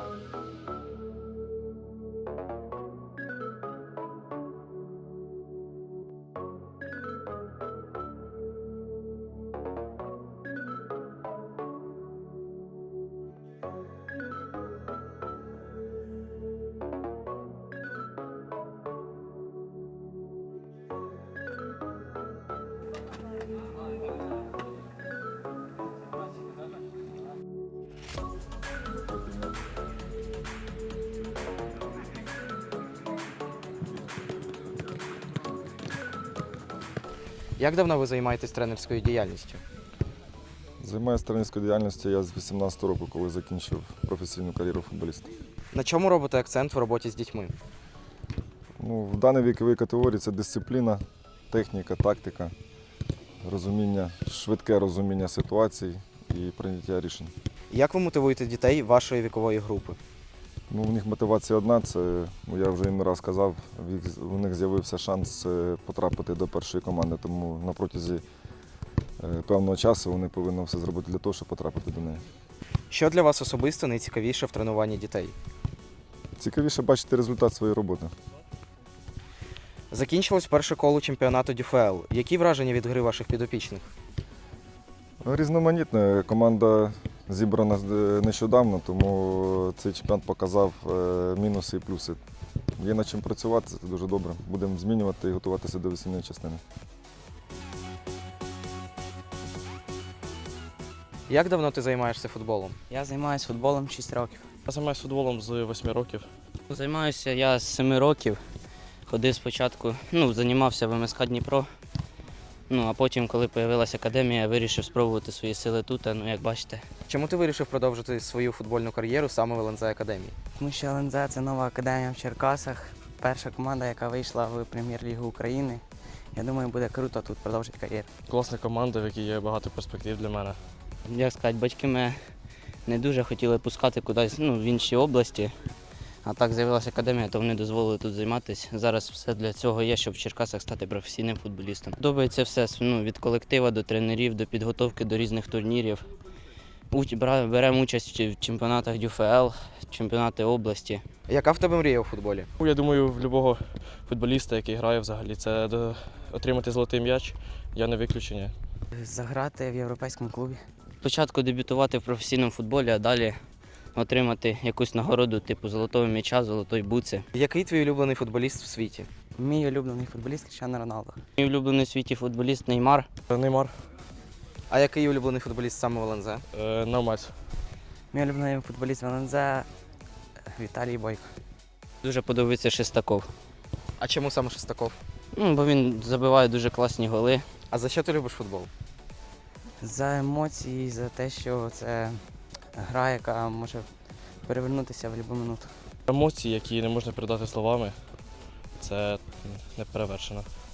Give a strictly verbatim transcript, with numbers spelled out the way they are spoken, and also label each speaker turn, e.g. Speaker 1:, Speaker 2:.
Speaker 1: Як давно ви займаєтесь тренерською діяльністю?
Speaker 2: Займаюся тренерською діяльністю я з вісімнадцятого року, коли закінчив професійну кар'єру футболіста.
Speaker 1: На чому робите акцент в роботі з дітьми?
Speaker 2: Ну, в даній віковій категорії це дисципліна, техніка, тактика, розуміння, швидке розуміння ситуацій і прийняття рішень.
Speaker 1: Як ви мотивуєте дітей вашої вікової групи?
Speaker 2: Ну, у них мотивація одна, це, ну, я вже їм не раз казав, у них з'явився шанс потрапити до першої команди, тому на протязі певного часу вони повинні все зробити для того, щоб потрапити до неї.
Speaker 1: Що для вас особисто найцікавіше в тренуванні дітей?
Speaker 2: Цікавіше бачити результат своєї роботи.
Speaker 1: Закінчилось перше коло чемпіонату ДЮФЛ. Які враження від гри ваших підопічних?
Speaker 2: Різноманітна. Команда зібрана нещодавно, тому цей чемпіонат показав мінуси і плюси. Є над чим працювати, це дуже добре. Будемо змінювати і готуватися до весільної частини.
Speaker 1: Як давно ти займаєшся футболом?
Speaker 3: Я займаюся футболом шість років.
Speaker 4: Я займаюся футболом з восьми років.
Speaker 3: Займаюся я з семи років. Ходив спочатку, ну, займався в ем ес ка Дніпро. Ну, а потім, коли з'явилася академія, я вирішив спробувати свої сили тут, ну, як бачите.
Speaker 1: Чому ти вирішив продовжити свою футбольну кар'єру саме в ел ен зет Академії?
Speaker 3: Тому що ел ен зет – це нова академія в Черкасах. Перша команда, яка вийшла в Прем'єр-лігу України. Я думаю, буде круто тут продовжити кар'єру.
Speaker 4: Класна команда, в якій є багато перспектив для мене.
Speaker 3: Як сказати, батьки мене не дуже хотіли пускати кудись, ну, в інші області. А так з'явилася академія, то вони дозволили тут займатися. Зараз все для цього є, щоб в Черкасах стати професійним футболістом. Подобається все, ну, від колектива до тренерів, до підготовки до різних турнірів. Беремо участь в чемпіонатах ДЮФЛ, чемпіонати області.
Speaker 1: Яка в тебе мрія у футболі?
Speaker 4: Я думаю, в будь-якого футболіста, який грає взагалі, це отримати золотий м'яч, я не виключення.
Speaker 3: Заграти в європейському клубі. Спочатку дебютувати в професійному футболі, а далі отримати якусь нагороду типу золотого м'яча, золотої буци.
Speaker 1: Який твій улюблений футболіст в світі?
Speaker 3: Мій улюблений футболіст Кріштіану Роналдо. Мій улюблений у світі футболіст Неймар.
Speaker 4: Неймар.
Speaker 1: А який улюблений футболіст саме в ел ен зет?
Speaker 4: Е, Навмець.
Speaker 3: Мій улюблений футболіст в ел ен зет Віталій Бойко. Дуже подобається Шестаков.
Speaker 1: А чому саме Шестаков?
Speaker 3: Ну, бо він забиває дуже класні голи.
Speaker 1: А за що ти любиш футбол?
Speaker 3: За емоції, за те, що це гра, яка може перевернутися в будь-яку минуту.
Speaker 4: Емоції, які не можна передати словами, це не перевершено.